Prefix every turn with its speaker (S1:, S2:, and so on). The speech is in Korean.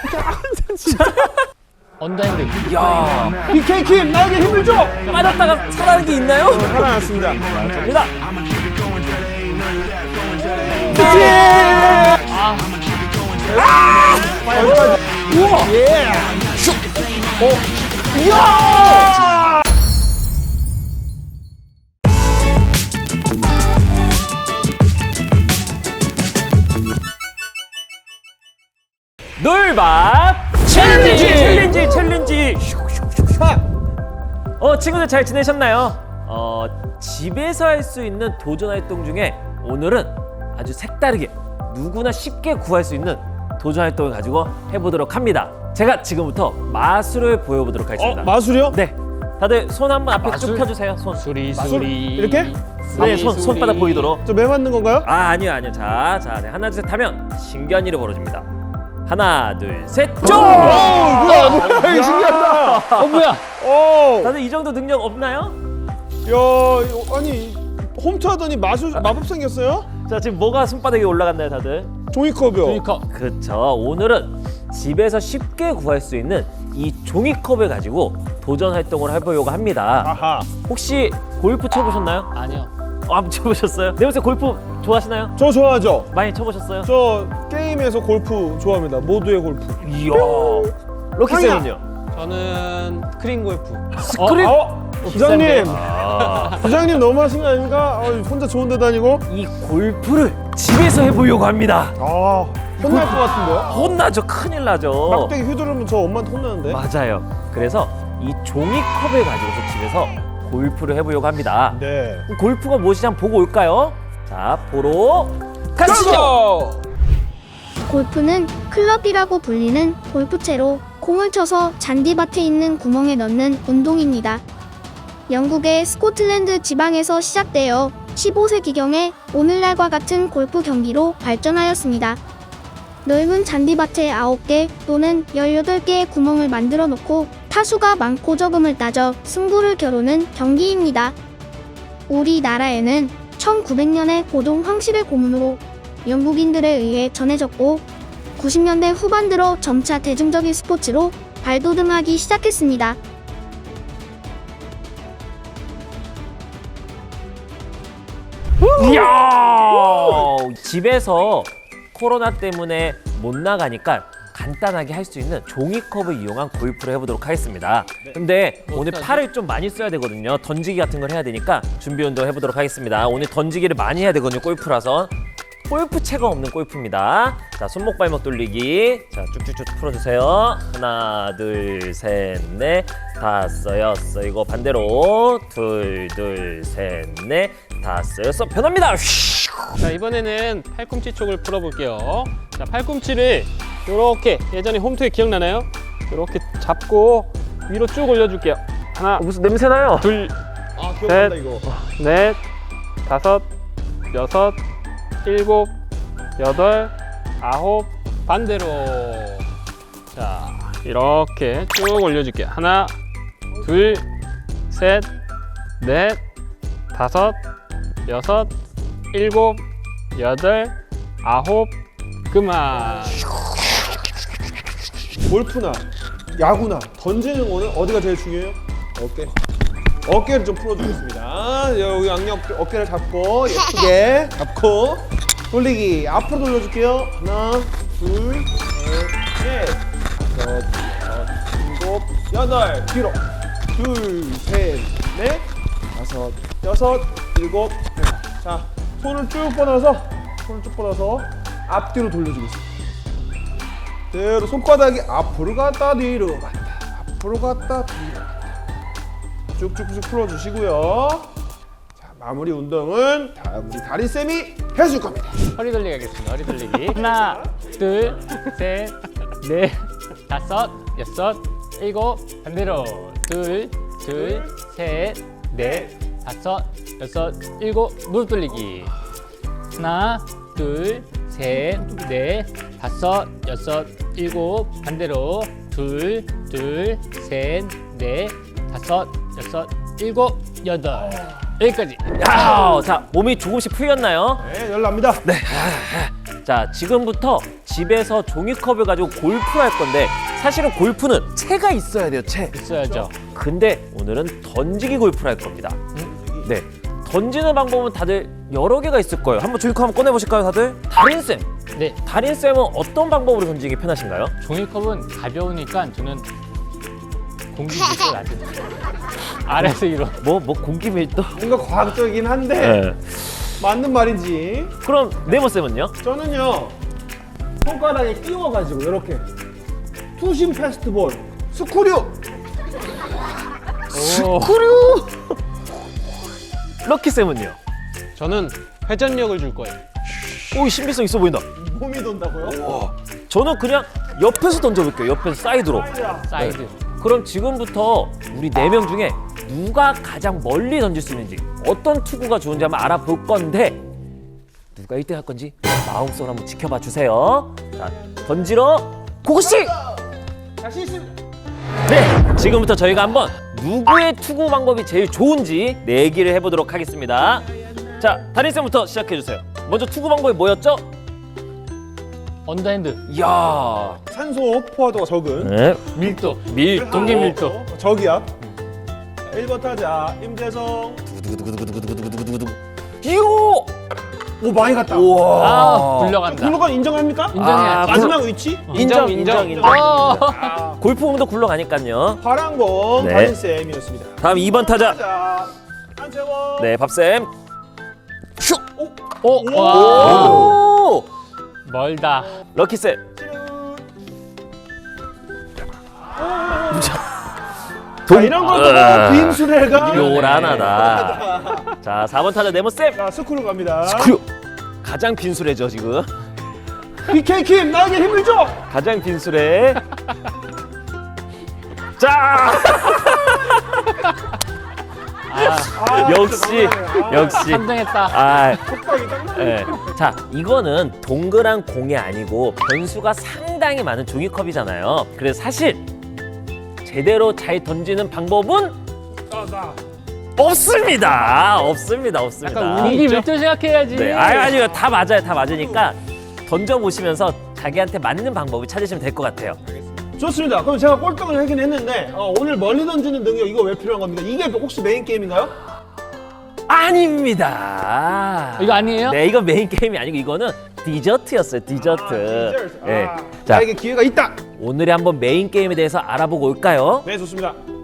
S1: 언더핸드.
S2: 야,
S3: BK킴 나에게 힘을 줘.
S2: 빠졌다가 살아나는 게 있나요?
S3: 살아났습니다.
S2: 갑니다.
S3: 여기까지.
S2: 우와.
S3: 예.
S2: 이야! 놀밥 챌린지. 친구들 잘 지내셨나요? 집에서 할 수 있는 도전 활동 중에 오늘은 아주 색다르게 누구나 쉽게 구할 수 있는 도전 활동을 가지고 해보도록 합니다. 제가 지금부터 마술을 보여보도록 하겠습니다.
S3: 마술이요?
S2: 네, 다들 손 한번 앞에 쭉
S1: 마술?
S2: 펴주세요. 손.
S1: 수리.
S3: 이렇게?
S2: 네, 손바닥 보이도록.
S3: 저 매 맞는 건가요?
S2: 아니요. 자, 네, 하나 둘 셋 하면 신기한 일이 벌어집니다. 하나 둘 셋, 쫑!
S3: 뭐야 이거 신기하다.
S1: 뭐야?
S3: 오.
S2: 다들 이 정도 능력 없나요?
S3: 야, 아니 홈트 하더니 마법 생겼어요?
S2: 자, 지금 뭐가 손바닥에 올라갔나요, 다들?
S3: 종이컵이요.
S1: 그러니까
S2: 그렇죠. 오늘은 집에서 쉽게 구할 수 있는 이 종이컵을 가지고 도전 활동을 해보려고 합니다.
S3: 아하.
S2: 혹시 골프 쳐보셨나요?
S1: 아니요.
S2: 안 쳐보셨어요? 네, 혹시 골프 좋아하시나요?
S3: 저 좋아하죠.
S2: 많이 쳐보셨어요?
S3: 저 게임에서 골프 좋아합니다. 모두의 골프.
S2: 이야. 럭키쌤은요?
S1: 저는 스크린 골프.
S2: 스크린?
S3: 부장님,
S2: 아.
S3: 부장님 너무하신 거 아닙니까? 혼자 좋은 데 다니고.
S2: 이 골프를 집에서 해보려고 합니다.
S3: 아, 혼날 것 같은데요?
S2: 혼나죠. 큰일 나죠.
S3: 막대기 휘두르면 저 엄마한테 혼나는데.
S2: 맞아요. 그래서 이 종이컵을 가지고서 집에서 골프를 해보려고 합니다.
S3: 네.
S2: 그럼 골프가 무엇인지 한번 보고 올까요? 자, 보러 가시죠.
S3: 가시죠.
S4: 골프는 클럽이라고 불리는 골프채로 공을 쳐서 잔디밭에 있는 구멍에 넣는 운동입니다. 영국의 스코틀랜드 지방에서 시작되어 15세기경에 오늘날과 같은 골프 경기로 발전하였습니다. 넓은 잔디밭에 9개 또는 18개의 구멍을 만들어 놓고 타수가 많고 적음을 따져 승부를 겨루는 경기입니다. 우리나라에는 1900년에 고동 황실의 고문으로 영국인들에 의해 전해졌고 90년대 후반 들어 점차 대중적인 스포츠로 발돋움하기 시작했습니다.
S2: 이야! 집에서 코로나 때문에 못 나가니까 간단하게 할 수 있는 종이컵을 이용한 골프를 해보도록 하겠습니다. 근데 오늘 팔을 좀 많이 써야 되거든요. 던지기 같은 걸 해야 되니까 준비 운동 해보도록 하겠습니다. 오늘 던지기를 많이 해야 되거든요. 골프라서. 골프채가 없는 골프입니다. 자, 손목 발목 돌리기. 자, 쭉쭉쭉 풀어주세요. 하나, 둘, 셋, 넷, 다섯, 여섯. 이거 반대로. 둘, 셋, 넷, 다섯, 여섯. 변합니다.
S1: 자, 이번에는 팔꿈치 쪽을 풀어볼게요. 자, 팔꿈치를 이렇게 예전에 홈트에 기억나나요? 이렇게 잡고 위로 쭉 올려줄게요. 하나,
S2: 무슨 냄새 나요?
S1: 둘,
S3: 아, 기억난다 이거.
S1: 넷, 다섯, 여섯, 일곱, 여덟, 아홉, 반대로. 자, 이렇게 쭉 올려줄게요. 하나, 둘, 셋, 넷, 다섯, 여섯, 일곱, 여덟, 아홉, 그만.
S3: 골프나 야구나 던지는 거는 어디가 제일 중요해요? 어깨. 어깨를 좀 풀어주겠습니다. 여기 양옆 어깨를 잡고 예쁘게 잡고 돌리기 앞으로 돌려줄게요. 하나, 둘, 셋, 넷, 다섯, 여섯, 일곱, 여덟. 뒤로. 둘, 셋, 넷, 다섯, 여섯, 일곱. 자, 손을 쭉 뻗어서 앞뒤로 돌려주겠습니다. 그대로 손바닥이 앞으로 갔다 뒤로 갔다 앞으로 갔다 뒤로 갔다 쭉쭉쭉 풀어주시고요. 자, 마무리 운동은 우리 다리쌤이 해줄 겁니다.
S1: 허리 돌리기 하겠습니다. 허리 돌리기. 하나, 둘, 셋, 넷, 다섯, 여섯, 일곱, 반대로. 둘, 셋, 넷, 다섯, 여섯, 일곱, 무릎 돌리기. 하나, 둘, 셋, 넷, 다섯, 여섯, 일곱, 반대로. 둘, 셋, 넷, 다섯, 여섯, 일곱, 여덟. 여기까지.
S2: 야, 자, 몸이 조금씩 풀렸나요?
S3: 네, 열납니다. 네.
S2: 자, 지금부터 집에서 종이컵을 가지고 골프를 할 건데 사실은 골프는 채가 있어야 돼요, 채.
S1: 있어야죠.
S2: 근데 오늘은 던지기 골프를 할 겁니다. 네. 던지는 방법은 다들 여러 개가 있을 거예요. 한번 종이컵 한번 꺼내 보실까요, 다들? 달인쌤.
S1: 네,
S2: 달인쌤은 어떤 방법으로 던지기 편하신가요?
S1: 종이컵은 가벼우니까 저는 공기 밀도를 낮은 아래서 이런.
S2: 뭐 공기 밀도?
S3: 뭔가 과학적이긴 한데
S2: 네.
S3: 맞는 말인지.
S2: 그럼 네모쌤은요?
S3: 저는요 손가락에 끼워가지고 이렇게 투심 패스트볼 스크류.
S1: 스크류.
S2: 럭키쌤은요?
S1: 저는 회전력을 줄 거예요.
S2: 오, 신비성 있어 보인다.
S3: 몸이 돈다고요?
S2: 저는 그냥 옆에서 던져볼게요. 옆에서 사이드로.
S1: 사이드.
S2: 그럼 지금부터 우리 4명 중에 누가 가장 멀리 던질 수 있는지, 어떤 투구가 좋은지 한번 알아볼 건데 누가 1등 할 건지 마음속으로 한번 지켜봐 주세요. 자, 던지러 고고씨!
S3: 자신 있습니다.
S2: 네, 지금부터 저희가 한번 누구의 투구 방법이 제일 좋은지 내기를 해보도록 하겠습니다. 자, 다린쌤부터 시작해주세요. 먼저 투구 방법이 뭐였죠?
S1: 언더핸드.
S2: 이야.
S3: 산소 포화도가 적은
S2: 네.
S1: 밀도.
S2: 밀도.
S1: 동기 밀도.
S3: 저기압. 1번 타자 임재성.
S2: 이요.
S3: 오 많이 갔다.
S2: 우와.
S1: 아, 굴러간다.
S3: 굴러간 인정합니까?
S1: 인정해야지.
S3: 마지막 위치?
S2: 인정.
S1: 어.
S2: 골프공도 굴러가니까요.
S3: 파랑공
S2: 네.
S3: 달인쌤이었습니다.
S2: 다음 2번 타자.
S3: 자, 한채원.
S2: 네, 밥쌤. 슉.
S1: 오. 와.
S2: 오.
S1: 멀다.
S2: 럭키쌤.
S3: 자, 이런 것도 빈수레가
S2: 요란하다. 자, 4번 타자 네모쌤.
S3: 자, 스크류 갑니다.
S2: 스크류. 가장 빈수레죠, 지금.
S3: BK킴 나에게 힘을 줘.
S2: 가장 빈수레. 자.
S3: 아,
S2: 역시,
S3: 진짜 너무하네.
S2: 역시.
S1: 3등했다.
S2: 아,
S3: 속박이 딱 나네.
S2: 네. 자, 이거는 동그란 공이 아니고 변수가 상당히 많은 종이컵이잖아요. 그래서 사실 제대로 잘 던지는 방법은 없습니다. 없습니다.
S1: 약간 운기 밀도 생각해야지.
S2: 네, 아니요, 다 맞아요. 다 맞으니까 던져 보시면서 자기한테 맞는 방법을 찾으시면 될 것 같아요.
S3: 좋습니다. 그럼 제가 꼴등을 하긴 했는데 오늘 멀리 던지는 능력 이거 왜 필요한 겁니까? 이게 혹시 메인 게임인가요?
S2: 아닙니다.
S1: 이거 아니에요?
S2: 네, 이건 메인 게임이 아니고 이거는 디저트였어요. 디저트. 네. 자,
S3: 나에게 기회가 있다.
S2: 오늘의 한번 메인 게임에 대해서 알아보고 올까요?
S3: 네, 좋습니다.